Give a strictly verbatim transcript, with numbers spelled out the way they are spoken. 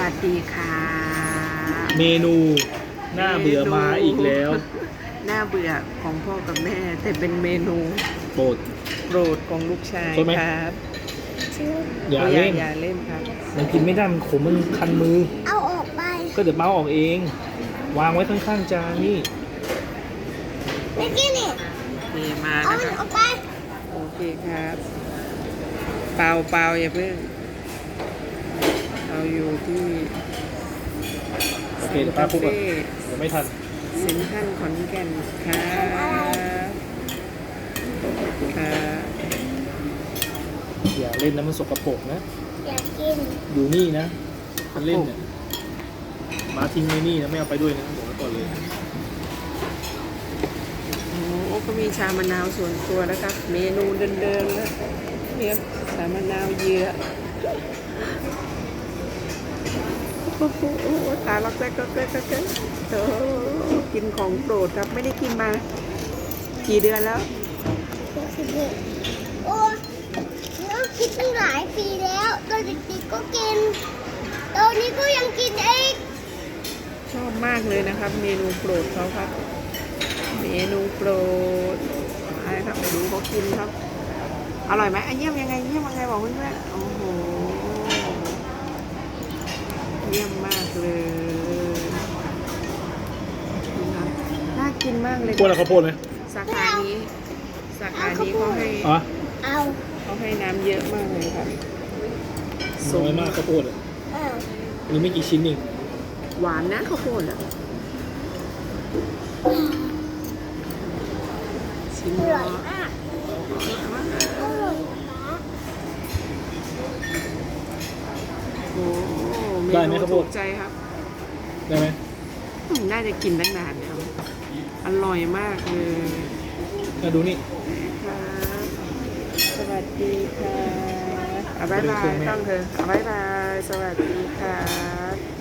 วัสดีค่ะเมนูหน้าเบื่อมาอีกแล้วหน้าเบื่อของพ่อกับแม่แต่เป็นเมนูโปรดโปรดของลูกชายใช่ไหมครับอย่าโเล่นอย่าเล่นครับมันกินไม่ได้มันขมมันคันมือเอาออกไปก็เดี๋ยวเมาออกเอง วางไว้ข้างๆจานนี่ไม่กินนี่เทมาเอานะมันคอรัอบ กไปโอเคครับ เปล่าเปล่าอย่าเพิ่งเราอยู่ที่โอเคเดี๋ยวป้าพูดก่อนเดี๋ยวไม่ทันเซ็นทรัลขอนแก่นครับครับอย่าเล่นนะมันสกปรกนะอยากกินอยู่นี่นะมันเล่นเนี่ยมาทิ้งไว้นี่นะไม่เอาไปด้วยนะบอกไว้ก่อนเลยโอ้โหก็มีชามะนาวส่วนตัวนะครับ เมนูเดิมๆนะเนี่ยชามะนาวเยื่อโอ้โหตาล็อกแรกก็แรกก็แรกโอ้กินของโปรดครับไม่ได้กินมา กี่เดือนแล้วโอ้เรากินตั้งหลายปีแล้วตอนเด็กๆก็กิน ตอนนี้ก็ยังกินเองชอบมากเลยนะครับ เมนูโปรดเขาครับ เมนูโปรดอะไรครับไปดูเขากินครับ อร่อยไหมอ่ะเยี่ยมยังไงเยี่ยมยังไงบอกเพื่อนๆโอ้โหเยี่ยมมากเลยนะครับน่ากินมากเลยกลัวอะไรข้าวโพดไหมสาขานี้สาขานี้เขาให้อ๋อเอาเขาให้น้ำเยอะมากเลยครับน้อยมากข้าวโพดอ่ะเอามีไม่กี่ชิ้นเองหวานนะข้าวโพดอ่ะชิมอเนาร่อยะมากอร่อยมากโอ้เมได้ไหมนูข้าวโพถูดกใจครับได้ไหมอืมน่าจะกินตั้งนานแล้วอร่อยมากเลยมาดูนี่ครับสวัสดีค่ะอ่ะบ๊ายบายต้องเถอะอ่ะบ๊ายบาย สวัสดีครับ